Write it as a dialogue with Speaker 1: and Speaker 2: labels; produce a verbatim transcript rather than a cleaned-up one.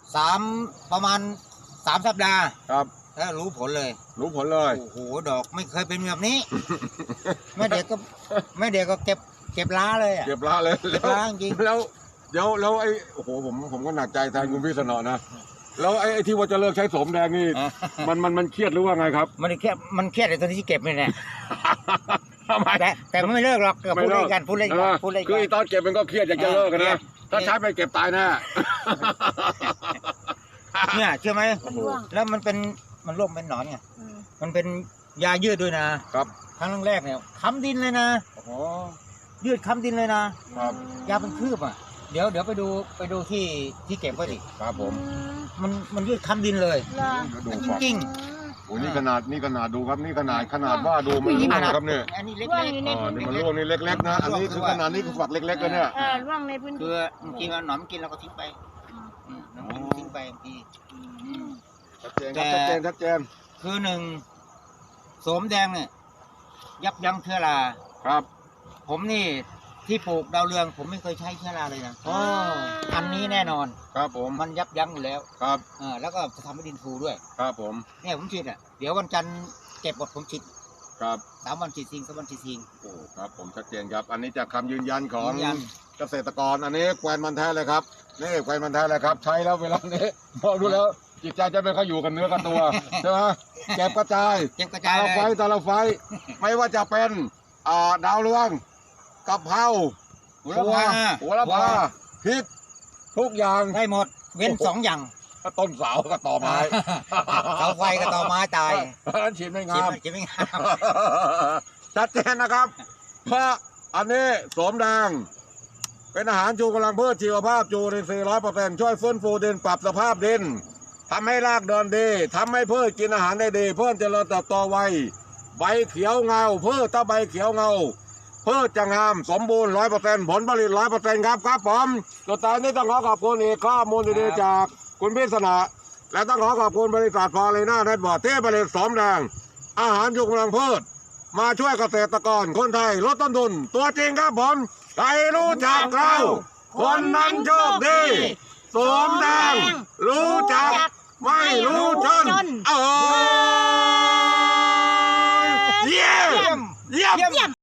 Speaker 1: สามประมาณสามสัปดาห์
Speaker 2: ครับ
Speaker 1: แล้วรู้ผลเลย
Speaker 2: รู้ผลเลย
Speaker 1: โอ้โหดอกไม่เคยเป็นแบบนี้ แม่เด็กก็แม่เด็กก็เก็บเก็บล้าเลยอ่ะ
Speaker 2: เก็บล้าเลย
Speaker 1: เก็บล้าจริง
Speaker 2: แล้วเดี๋ยวแล้วไอ้โอ้โหผมผมก็หนักใจแทนคุณพี่สนอนะแล้วไอ้ที่ว่าจะเลิกใช้โสมแดงนี่มันมันมันเครียดหรือว่าไงครับ
Speaker 1: มันเครียดมันเครียดไอ้ตอนที่เก็บนี่แหละ
Speaker 2: ทำไม
Speaker 1: แต่แต่ไม่เลิกหรอกพูดเล่นกันพูดเล่นกันพูดเล่นกัน
Speaker 2: คือตอนเก็บมันก็เครียดอยากจะเลิกกันนะถ้าใช้ไปเก็บตายแน่
Speaker 1: เนี่ยเชื่อไหมแล้วมันเป็นมันร่วมเป็นหนอนไงมันเป็นยายืดด้วยนะครับครั้งแรกเนี่ยค้ำดินเลยนะโอ้โหยืดค้ำดินเลยนะครับยาเป็นคืบอ่ะเดี๋ยวเดี๋ยวไปดูไปดูที่ที่เก็บไว้ดิ
Speaker 2: ครับผม
Speaker 1: มันมันยืดค้ำดินเลยจริงจริง
Speaker 2: โอ้นี่ขนาดนี่ขนาดดูครับนี่ขนาดขนาดว่าดูมันร่วงครับเนี่ย
Speaker 1: อันนี้เล็ก
Speaker 2: ๆอ๋อนี่มันร่วงนี่เล็กๆนะอันนี้คือขนาดนี้คือฝักเล็กๆเลยเนี่ย
Speaker 3: เออร่วงในพื้นที่
Speaker 1: คือเมื่อกี้มันหนอนกินเราก็ทิ้งไปน้ำกินทิ้งไปบางที
Speaker 2: ชัดเจนครับชัดเจนชัดเจน
Speaker 1: คือหนึ่งโสมแดงเนี่ยยับยั้งเชื้อรา
Speaker 2: ครับ
Speaker 1: ผมนี่ที่ปลูกดาวเรืองผมไม่เคยใช้เชื้อราเลยนะอ๋ออันนี้แน่นอน
Speaker 2: ครับผม
Speaker 1: มันยับยั้งอยู่แล้ว
Speaker 2: ครับ
Speaker 1: อ่าแล้วก็จะทำให้ดินฟูด้วย
Speaker 2: ครับผม
Speaker 1: เนี่ยผมฉีดอ่ะเดี๋ยววันจันทร์เก็บหมดผมฉีด
Speaker 2: ครับ
Speaker 1: สามวันฉีดซิงสามวันฉีดซิง
Speaker 2: โอ้ครับผมชัดเจนครับอันนี้จากคำยืนยันของเกษตรกรอันนี้แควนมันแท้เลยครับนี่แควนมันแท้เลยครับใช้แล้วเวลานี้มองดูแล้วจิตใจจะไม่ค่อยอยู่กันเนื้อกันตัวใช่ไหมเก็บกระจาย
Speaker 1: เก็บกระจาย
Speaker 2: ไฟตาละไฟไม่ว่าจะเป็นอ่าดาวเรืองกะเพราหัวละพาหัวละพาพริกทุกอย่าง
Speaker 1: ได้หมดเว้นสองอย่าง
Speaker 2: ต้นเสากับต่อไม้
Speaker 1: เสาไฟกับต่อไม้ตาย
Speaker 2: นั้นฉีดไม่งาม
Speaker 1: ฉีดไม่งาม
Speaker 2: ชัดเจนนะครับเพราะอันนี้โสมแดงเป็นอาหารชูกำลังพืชชีวภาพจูรินทรีย์ร้อยเปอร์เซ็นต์ช่วยฟื้นฟูดินปรับสภาพดินทำให้รากเดินดีทำให้พืชกินอาหารได้ดีเพื่อเจริญเติบโตไวใบเขียวเงาพืชถ้าใบเขียวเงาพืชจะงามสมบูรณ์ร้อยเปอร์เซ็นต์ผลผลิตร้อยเปอร์เซ็นต์ครับครับผมสุดท้ายนี้ต้องขอขอบคุณอีกข้อมูลดีๆจากคุณพิษณะและต้องขอขอบคุณบริษัทฟอร์เรน่าเน็ตบอร์ดที่ผลิตโสมแดงอาหารชูกำลังพืชมาช่วยเกษตรกรคนไทยลดต้นทุนตัวจริงครับผมใครรู้จักเราคนนั้นโชคดีโสมแดงรู้จักไม่รู้จนเออเยี่ยมเยี่ยม